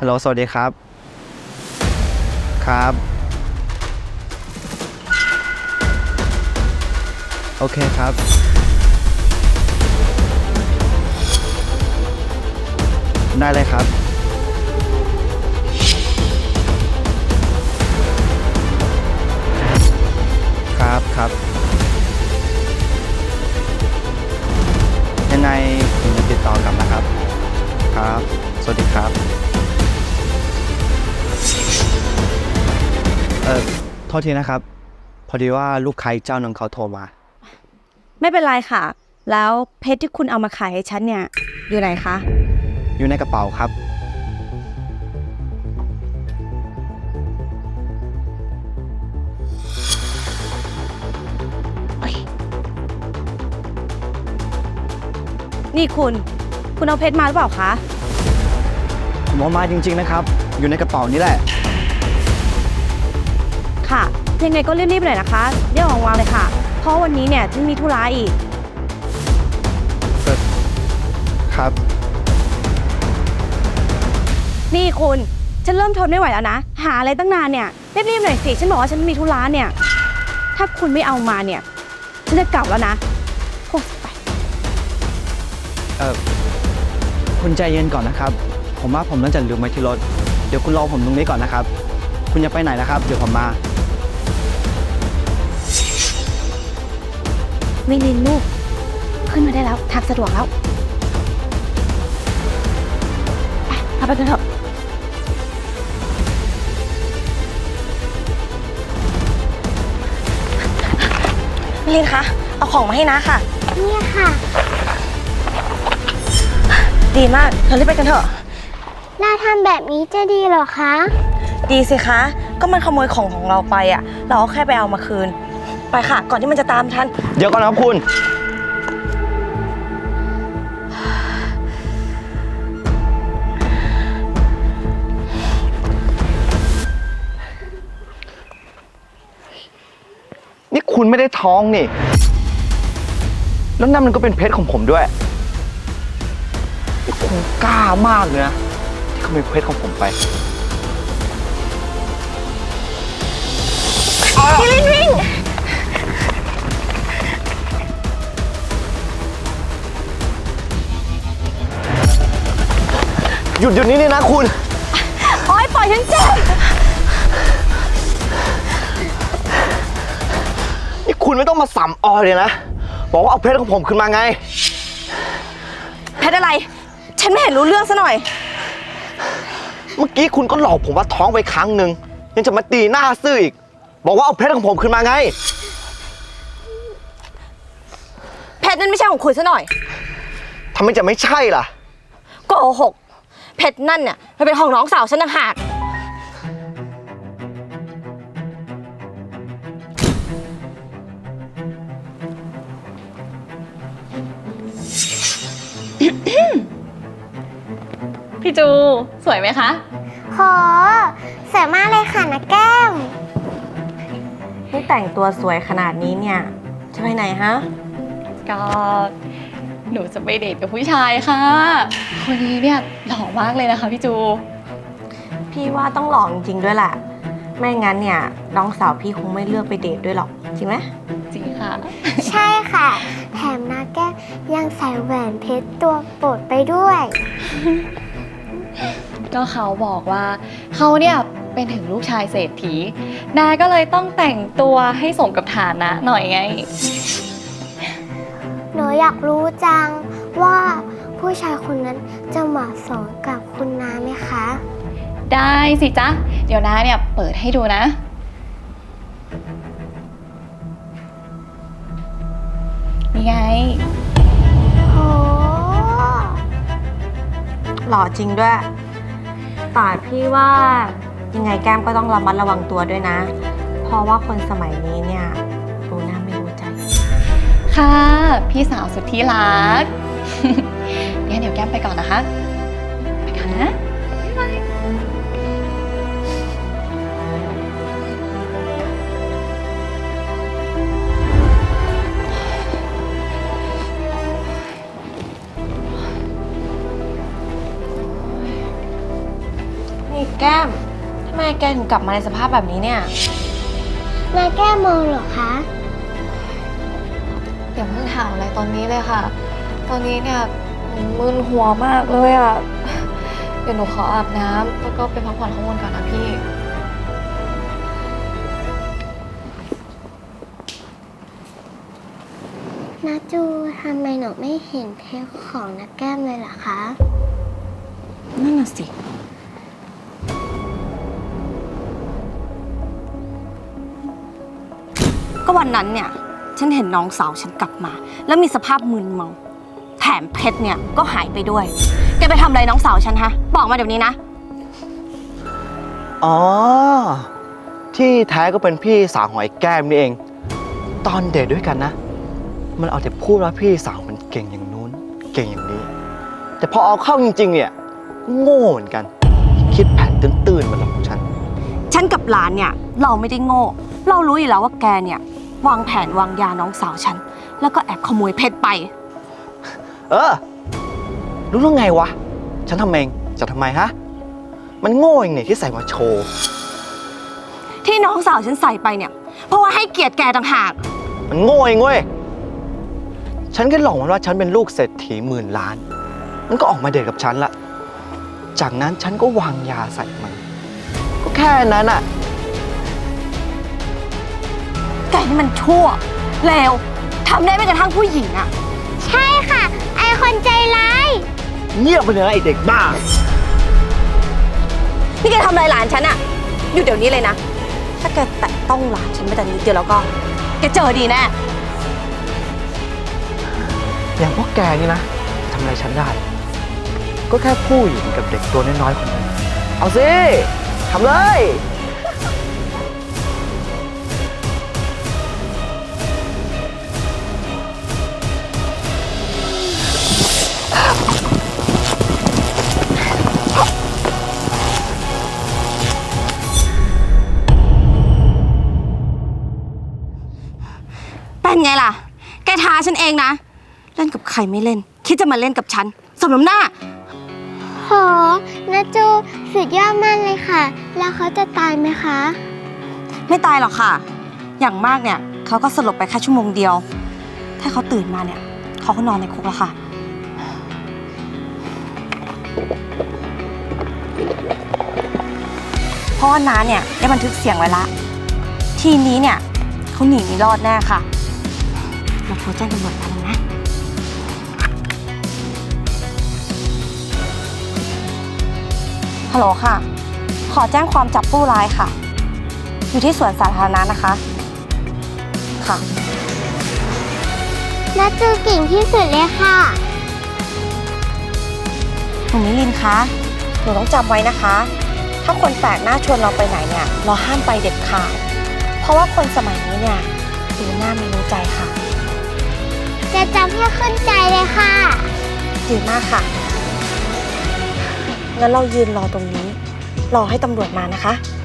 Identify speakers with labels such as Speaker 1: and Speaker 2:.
Speaker 1: ฮัลโหลสวัสดีครับครับโอเคครับได้เลยครับครับยังไงผมจะติดต่อกลับนะครับครับสวัสดีครับโทษทีนะครับพอดีว่าลูกค้าอีกเจ้าหนึ่งเขาโทรมา
Speaker 2: ไม่เป็นไรค่ะแล้วเพชรที่คุณเอามาขายให้ฉันเนี่ยอยู่ไหนคะ
Speaker 1: อยู่ในกระเป๋าครับ
Speaker 2: นี่คุณเอาเพชรมาหรือเปล่าคะ
Speaker 1: ผมเอามาจริงๆนะครับอยู่ในกระเป๋านี้แหละ
Speaker 2: ค่ะยังไงก็รีบๆหน่อยนะคะเดี๋ยววางเลยค่ะเพราะวันนี้เนี่ยฉันมีธุระอีก
Speaker 1: ครับ
Speaker 2: นี่คุณฉันเริ่มทนไม่ไหวแล้วนะหาอะไรตั้งนานเนี่ยรีบๆหน่อยสิฉันบอกว่าฉันมีธุระเนี่ยถ้าคุณไม่เอามาเนี่ยฉันจะกลับแล้วนะโอ้ไป
Speaker 1: คุณใจเย็นก่อนนะครับผมว่าผมน่าจะลืมไว้ที่รถเดี๋ยวคุณรอผมตรงนี้ก่อนนะครับคุณจะไปไหนนะครับเดี๋ยวผมมา
Speaker 2: วิลินลูกขึ้นมาได้แล้วทางสะดวกแล้วไปกันเถอะวิลินคะเอาของมาให้นะค่ะ
Speaker 3: นี่ค่ะ
Speaker 2: ดีมากเธอรีบไปกันเถอะ
Speaker 3: เราทำแบบนี้จะดีเหรอคะ
Speaker 2: ดีสิคะก็มันขโมยของเราไปอ่ะเราก็แค่ไปเอามาคืนไปค่ะก่อนที่มันจะตามทัน
Speaker 1: เดี๋ยวก่อนนะครับคุณนี่คุณไม่ได้ท้องนี่แล้วนั่นมันก็เป็นเพชรของผมด้วยนี่คุณกล้ามากเลยนะที่ขโมยเพชรของผมไป
Speaker 2: พี่ลินวิ่ง
Speaker 1: หยุดนี่นะคุณ
Speaker 2: โอ๊ยปล่อยฉันเจ็บ
Speaker 1: นี่คุณไม่ต้องมาสัมออยเลยนะบอกว่าเอาเพชรของผมขึ้นมาไง
Speaker 2: เพชรอะไรฉันไม่เห็นรู้เรื่องซะหน่อย
Speaker 1: เมื่อกี้คุณก็หลอกผมว่าท้องไปครั้งหนึ่งยังจะมาตีหน้าซื่ออีกบอกว่าเอาเพชรของผมขึ้นมาไง
Speaker 2: เพชรนั่นไม่ใช่ของคุณซะหน่อย
Speaker 1: ทำไมจะไม่ใช่ล่ะ
Speaker 2: โกหกเพชรนั่นเนี่ยมันเป็นของน้องสาวฉันต่างหาก
Speaker 4: พี่จูสวยไหมคะ
Speaker 3: โหสวยมากเลยค่ะนะแก้ม
Speaker 2: นี่แต่งตัวสวยขนาดนี้เนี่ยจะไปไหนฮะ
Speaker 4: ก็หนูจะไปเดทกับผู้ชายค่ะคนนี้เนี่ยหล่อมากเลยนะคะพี่จู
Speaker 2: พี่ว่าต้องหล่อจริงๆด้วยแหละไม่งั้นเนี่ยน้องสาวพี่คงไม่เลือกไปเดทด้วยหรอกจริงไหม
Speaker 4: จริงค่ะ
Speaker 3: ใช่ค่ะแถมนะแก้มยังใส่แหวนเพชรตัวโปรดไปด้วย
Speaker 4: ก็เขาบอกว่าเขาเนี่ยเป็นถึงลูกชายเศรษฐีนาก็เลยต้องแต่งตัวให้สมกับฐานะหน่อยไง
Speaker 3: หนูอยากรู้จังว่าผู้ชายคนนั้นจะเหมาะสมกับคุณน้าไหมคะ
Speaker 4: ได้สิจ๊ะเดี๋ยวน้าเนี่ยเปิดให้ดูนะนี่ไง
Speaker 3: โห
Speaker 2: หล่อจริงด้วยแต่พี่ว่ายังไงแก้มก็ต้องระมัดระวังตัวด้วยนะเพราะว่าคนสมัยนี้เนี่ยรู้หน้าไม่รู้ใจ
Speaker 4: ค่ะพี่สาวสุดที่รักงั้นเดี๋ยวแก้มไปก่อนนะคะไปก่อนนะบ๊ายบาย
Speaker 2: แก้มทำไมแกถึงกลับมาในสภาพแบบนี้เนี่ย
Speaker 3: นาแก้มองเหรอคะ
Speaker 4: อย่าเพิ่งถามอะไรตอนนี้เลยค่ะ ตอนนี้เนี่ยหนูมึนหัวมากเลยอ่ะ เดี๋ยวหนูขออาบน้ำแล้วก็ไปพักผ่อนข้างบนก่อนนะพี่
Speaker 3: นาจูทำไมหนูไม่เห็นเพลงของนาแก้มเลยล่ะคะ
Speaker 2: นั่นน่ะสิ ก็วันนั้นเนี่ย ฉันเห็นน้องสาวฉันกลับมา แล้วมีสภาพมึนเมาแถมเพชรเนี่ยก็หายไปด้วย แกไปทำอะไรน้องสาวฉันฮะ บอกมาเดี๋ยวนี้นะ
Speaker 1: อ๋อ ที่แท้ก็เป็นพี่สาวของไอ้แก้มนี่เอง ตอนเดทด้วยกันนะ มันเอาแต่พูดว่าพี่สาวมันเก่งอย่างนู้น เก่งอย่างนี้ แต่พอเอาเข้าจริงๆเนี่ยก็โง่เหมือนกัน คิดแผนตื้นๆมาหลอกฉัน
Speaker 2: ฉันกับหลานเนี่ย เราไม่ได้โง่ เรารู้อยู่แล้วว่าแกเนี่ยวางแผนวางยาน้องสาวฉัน แล้วก็แอบขโมยเพชรไป
Speaker 1: เออ รู้เรื่องไงวะ ฉันทำเองจะทำไมฮะ มันโง่เองเนี่ยที่ใส่มาโชว์
Speaker 2: ที่น้องสาวฉันใส่ไปเนี่ย เพราะว่าให้เกียรติแกต่างหาก
Speaker 1: มันโง่เองเว้ย ฉันแค่หลอกมันว่าฉันเป็นลูกเศรษฐีหมื่นล้าน มันก็ออกมาเดทกับฉันละ จากนั้นฉันก็วางยาใส่มัน ก็แค่นั้นอะ
Speaker 2: แกนี่มันชั่วเลวทำได้ไม่กระทั่งผู้หญิงอะ
Speaker 3: ใช่ค่ะ ไอคนใจร้าย
Speaker 1: เงียบไปเลยนะไอเด็กบ้า
Speaker 2: นี่แกทำอะไรหลานฉันอะหยุดเดี๋ยวนี้เลยนะ ถ้าแกแตะต้องหลานฉันไม่แต่นิดเดียวแล้วก็ แกเจอดีแน่
Speaker 1: อย่างพวกแกนี่นะทำอะไรฉันได้ ก็แค่ผู้หญิงกับเด็กตัวน้อยๆคนนึงเอาสิทำเลย
Speaker 2: เป็นไงล่ะ แกท้าฉันเองนะ เล่นกับใครไม่เล่น คิดจะมาเล่นกับฉันสมน้ำหน้า
Speaker 3: โหนาจูสุดยอดมากเลยค่ะ แล้วเขาจะตายไหมคะ
Speaker 2: ไม่ตายหรอกค่ะ อย่างมากเนี่ยเขาก็สลบไปแค่ชั่วโมงเดียว ถ้าเขาตื่นมาเนี่ยเขาก็นอนในคุกแล้วค่ะ เพราะว่าน้าเนี่ยได้บันทึกเสียงไว้ละ ทีนี้เนี่ยเขาหนีไม่รอดแน่ค่ะ เราโทรแจ้งตำรวจมาเลยนะ ฮัลโหลค่ะ ขอแจ้งความจับผู้ร้ายค่ะ อยู่ที่สวนสาธารณะนะคะ ค่ะ
Speaker 3: นาจูเก่งที่สุดเลยค่ะ
Speaker 2: หนูมิลินคะ หนูต้องจำไว้นะคะ ถ้าคนแปลกหน้าชวนเราไปไหนเนี่ย เราห้ามไปเด็ดขาด เพราะว่าคนสมัยนี้เนี่ยรู้หน้าไม่รู้ใจค่ะ
Speaker 3: จะจำให้ขึ้นใจเลยค่ะ
Speaker 2: ดีมากค่ะ งั้นเรายืนรอตรงนี้ รอให้ตำรวจมานะคะ